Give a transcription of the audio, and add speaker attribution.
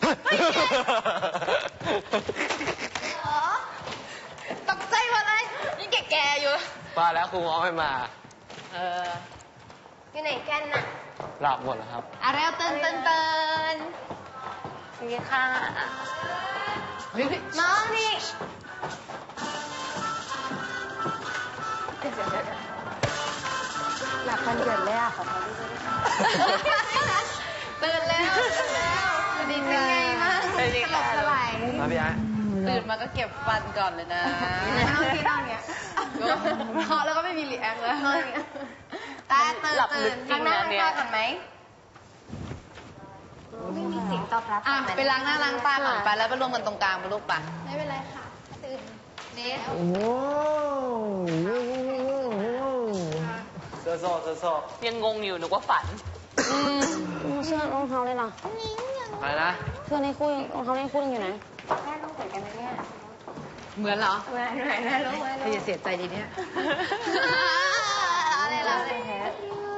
Speaker 1: ตกใจหมดเลยนี่แก่ๆอยู่
Speaker 2: มาแล้วครูง้อไม่มา
Speaker 1: อยู่ไหนกันน่ะ
Speaker 2: หลับหมดแล้วครับ
Speaker 1: เร็วเตือนนี่ค่ะน้องนี่หลับกันเกิดเลยอ่ะขอโทษด้วยตื่นแล้วดีใจมากสลบสลาย
Speaker 2: มาพี่ไอ้
Speaker 3: ตื่นมาก็เก็บฟันก่อนเลยนะ
Speaker 1: เอาที่นอนเนี้ย
Speaker 3: เพราะแล้วก็ไม่มีรีแอคแล้ว
Speaker 1: ตาตื่นข้างหน้าก่อนไหมไม่มีเสียงตอบรับ
Speaker 3: อ่ะไปล้างหน้าล้างตาก่อนไปแล้วไปรวมกันตรงกลางไปลูกป่ะ
Speaker 1: ไม่เป็นไรค่ะตื่นเด็ก
Speaker 2: โอ้เซอร์โซเซอร์โซ
Speaker 4: ยังงงอยู่นึกว่าฝัน
Speaker 5: เสื้อรองเท้าเลยล่ะ
Speaker 2: อะไรนะ
Speaker 5: เสื้อในคู่รองเท้าในคู่ยังอยู่ไหน
Speaker 1: แม่ต้องเปิดกันนะเนี่ย
Speaker 3: เหมือนเหรอ
Speaker 1: แม่รู้ไหม
Speaker 3: เธออย่าเสียใจดีเนี่ย
Speaker 1: อะไรล่ะ